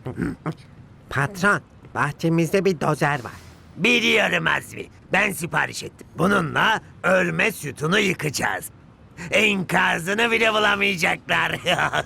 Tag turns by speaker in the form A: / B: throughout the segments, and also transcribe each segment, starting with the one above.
A: Patron, bahçemizde bir dozer var.
B: Biliyorum Azmi. Ben sipariş ettim. Bununla örme sütunu yıkacağız. Enkazını bile bulamayacaklar.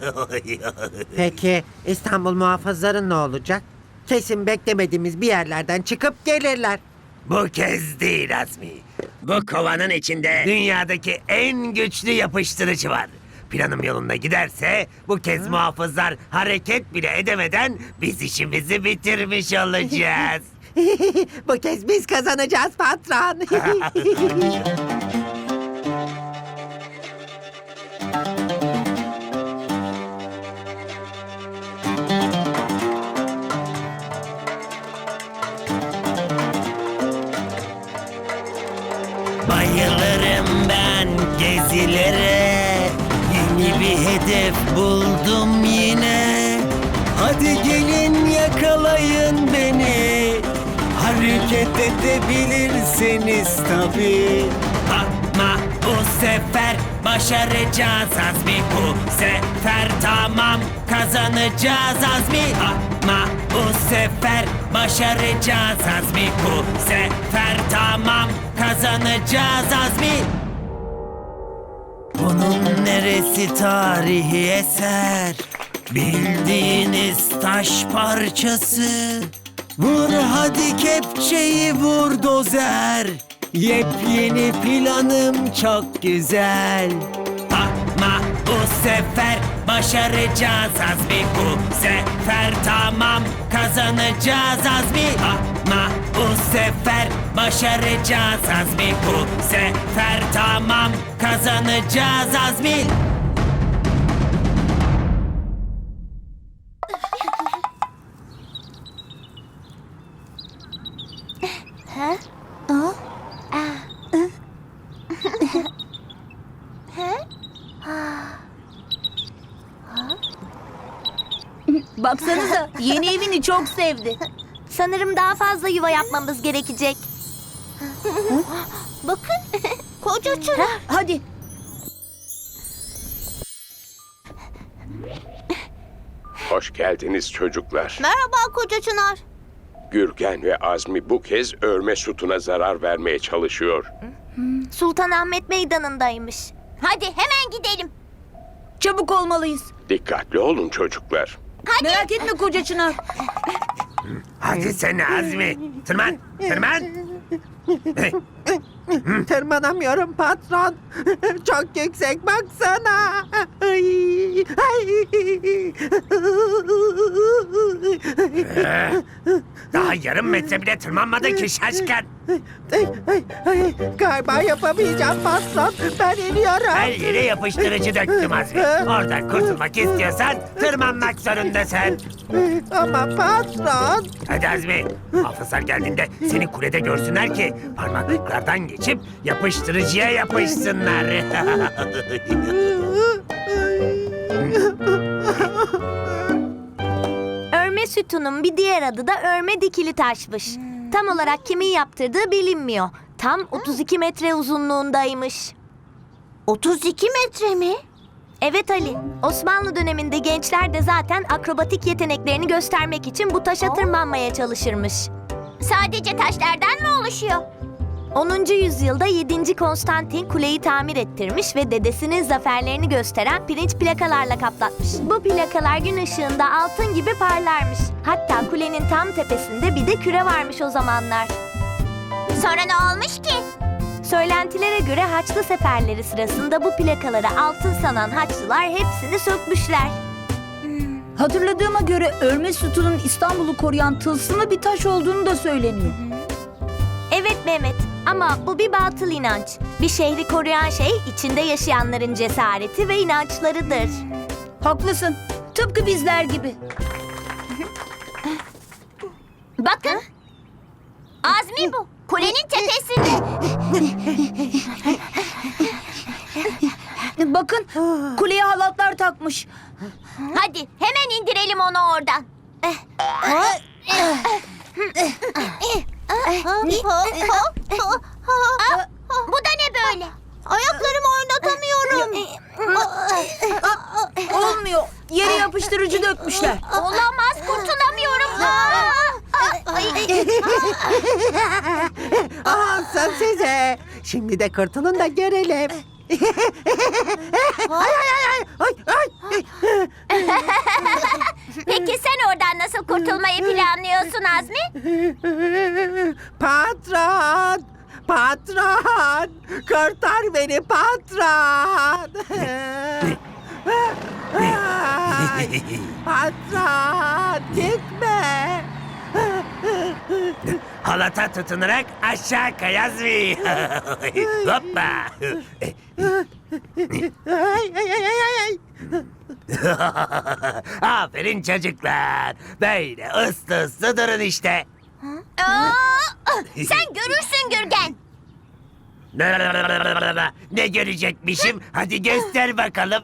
A: Peki İstanbul muhafızları ne olacak? Kesin beklemediğimiz bir yerlerden çıkıp gelirler.
B: Bu kez değil Azmi. Bu kovanın içinde dünyadaki en güçlü yapıştırıcı var. Planım yolunda giderse bu kez muhafızlar hareket bile edemeden biz işimizi bitirmiş olacağız.
A: Bu kez biz kazanacağız patron.
B: Bayılırım ben gezilere. Yeni bir hedef buldum yine. Hadi gelin yakalayın beni. Hareket edebilirseniz tabii. Ama bu sefer başaracağız Azmi. Bu sefer tamam kazanacağız Azmi. Ama bu sefer başaracağız Azmi. Bu sefer tamam kazanacağız Azmi. Bunun neresi tarihi eser? Bildiğiniz taş parçası. Vur hadi kepçeyi vur dozer. Yepyeni planım çok güzel. Ama bu sefer başaracağız Azmi. Bu sefer tamam kazanacağız Azmi. Ama bu sefer başaracağız Azmi. Bu sefer tamam kazanacağız Azmi.
C: Baksanıza yeni evini çok sevdi.
D: Sanırım daha fazla yuva yapmamız gerekecek. Bakın, koca çınar.
C: Hadi.
E: Hoş geldiniz çocuklar.
D: Merhaba koca çınar.
E: Gürgen ve Azmi bu kez örme sütuna zarar vermeye çalışıyor.
D: Sultanahmet Meydanı'ndaymış. Hadi hemen gidelim.
C: Çabuk olmalıyız.
E: Dikkatli olun çocuklar.
C: Merak etme koca çınar.
B: Hadi sen Azmi. Tırman, tırman.
A: Tırmanamıyorum patron. Çok yüksek baksana. Ay, ay.
B: Daha yarım metre bile tırmanmadın ki şaşkın.
A: Galiba yapamayacağım patron. Ben iniyorum.
B: Her yere yapıştırıcı döktüm Azmi. Oradan kurtulmak istiyorsan tırmanmak zorundasın.
A: Ama patron.
B: Hadi Azmi. Hafızlar geldiğinde seni kulede görsünler ki parmaklıklardan geçip yapıştırıcıya yapışsınlar.
D: Örme sütunun bir diğer adı da örme dikili taşmış. Tam olarak kimin yaptırdığı bilinmiyor. Tam 32 metre uzunluğundaymış. 32 metre mi? Evet Ali. Osmanlı döneminde gençler de zaten akrobatik yeteneklerini göstermek için bu taşa tırmanmaya çalışırmış. Sadece taşlardan mı oluşuyor? 10. yüzyılda 7. Konstantin kuleyi tamir ettirmiş ve dedesinin zaferlerini gösteren pirinç plakalarla kaplatmış. Bu plakalar gün ışığında altın gibi parlarmış. Hatta kulenin tam tepesinde bir de küre varmış o zamanlar. Sonra ne olmuş ki? Söylentilere göre Haçlı seferleri sırasında bu plakaları altın sanan Haçlılar hepsini sökmüşler.
C: Hatırladığıma göre örme sütunun İstanbul'u koruyan tılsımlı bir taş olduğunu da söyleniyor.
D: Evet Mehmet, ama bu bir batıl inanç. Bir şehri koruyan şey içinde yaşayanların cesareti ve inançlarıdır.
C: Haklısın. Tıpkı bizler gibi.
D: Bakın. Azmi bu. Kulenin tepesinde.
C: Bakın kuleye halatlar takmış.
D: Hadi hemen indirelim onu oradan. Bu da ne böyle? Ayaklarımı oynatamıyorum.
C: Olmuyor. Yere yapıştırıcı dökmüşler.
D: Olamaz, kurtulamıyorum.
A: Olsun size. Şimdi de kurtulun da görelim. Ay, ay, ay, ay, ay.
D: Peki sen oradan nasıl kurtulmayı planlıyorsun Azmi?
A: Patron! Patron! Kurtar beni patron! Ay, patron! Gitme!
B: Halata tutunarak aşağı kay Azmi. Hoppa.
A: Ay, ay, ay, ay, ay.
B: Aferin çocuklar. Böyle ıslı ıslı durun işte.
D: Sen görürsün Gürgen.
B: Ne görecekmişim? Hadi göster bakalım.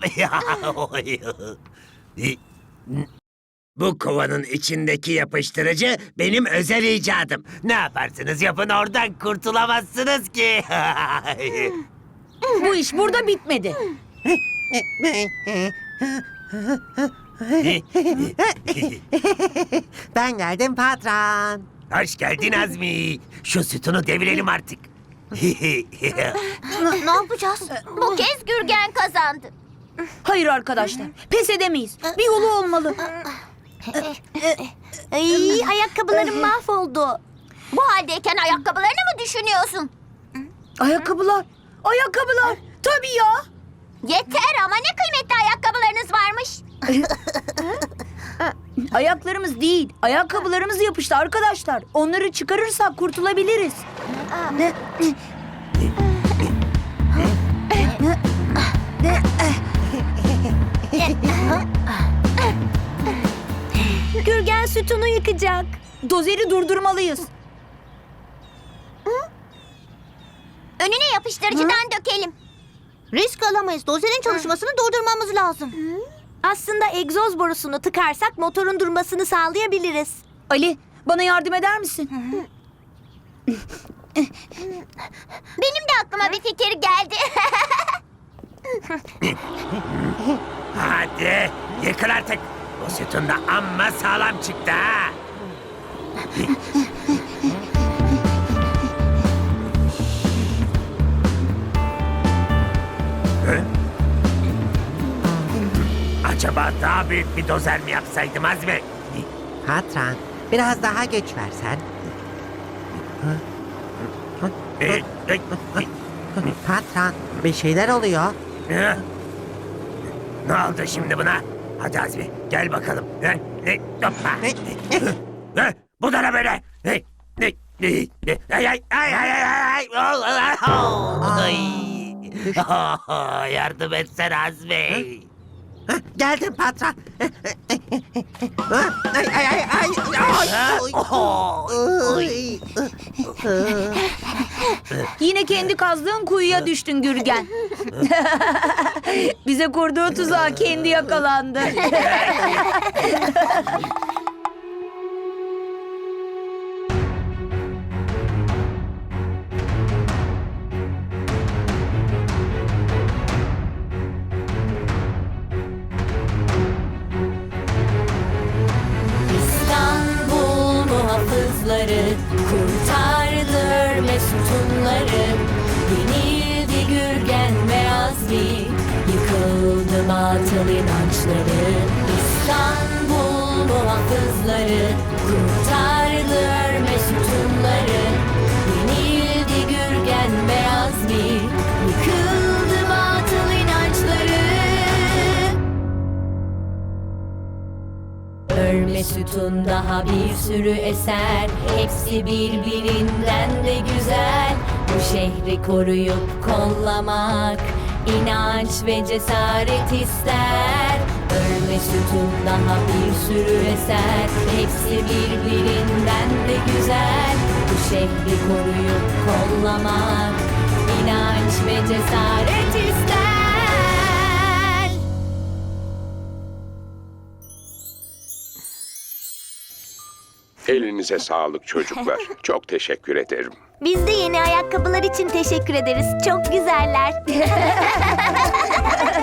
B: Bu kovanın içindeki yapıştırıcı benim özel icadım. Ne yaparsınız yapın oradan kurtulamazsınız ki.
C: Bu iş burada bitmedi.
A: Ben geldim patron.
B: Hoş geldin Azmi. Şu sütunu devirelim artık.
D: Ne yapacağız? Bu kez Gürgen kazandı.
C: Hayır arkadaşlar, pes edemeyiz. Bir yolu olmalı.
D: Ay, ayakkabılarım mahvoldu. Bu haldeyken ayakkabılarını mı düşünüyorsun?
C: Ayakkabılar, ayakkabılar. Tabii ya.
D: Yeter ama ne kıymetli ayakkabılarınız varmış.
C: Ayaklarımız değil, ayakkabılarımız yapıştı arkadaşlar. Onları çıkarırsak kurtulabiliriz.
D: Gürgen sütunu yıkacak.
C: Dozeri durdurmalıyız.
D: Önüne yapıştırıcıdan dökelim. Risk alamayız. Dozerin çalışmasını durdurmamız lazım. Aslında egzoz borusunu tıkarsak motorun durmasını sağlayabiliriz.
C: Ali, bana yardım eder misin?
D: Benim de aklıma bir fikir geldi.
B: Hadi yıkıl artık. Bu sütun da amma sağlam çıktı ha. Acaba daha büyük bir dozer mi yapsaydım Azmi?
A: Patron, biraz daha güç versen. Patron, bir şeyler oluyor.
B: Ne oldu şimdi buna? Hadi Azmi gel bakalım. Hoppa. Bu da ne böyle? Ay ay ay ay ay ay. Yardım etsene Azmi.
A: Geldim patron. Ay, ay, ay, ay, ay.
C: Yine kendi kazdığın kuyuya düştün Gürgen. Bize kurduğu tuzağa kendi yakalandı.
F: İstanbul muhafızları kurtardı örme sütunları. Yenildi Gürgen ve Azmi, yıkıldı batıl inançları. İstanbul muhafızları kurtardı örme sütunları. Yenildi Gürgen ve Azmi, yıkıldı batıl inançları. Örme sütun daha bir sürü eser, hepsi birbirinden de güzel. Bu şehri koruyup kollamak inanç ve cesaret ister. Örme sütun daha bir sürü eser, hepsi birbirinden de güzel. Bu şehri koruyup kollamak inanç ve cesaret ister.
E: Elinize sağlık çocuklar. Çok teşekkür ederim.
D: Biz de yeni ayakkabılar için teşekkür ederiz. Çok güzeller.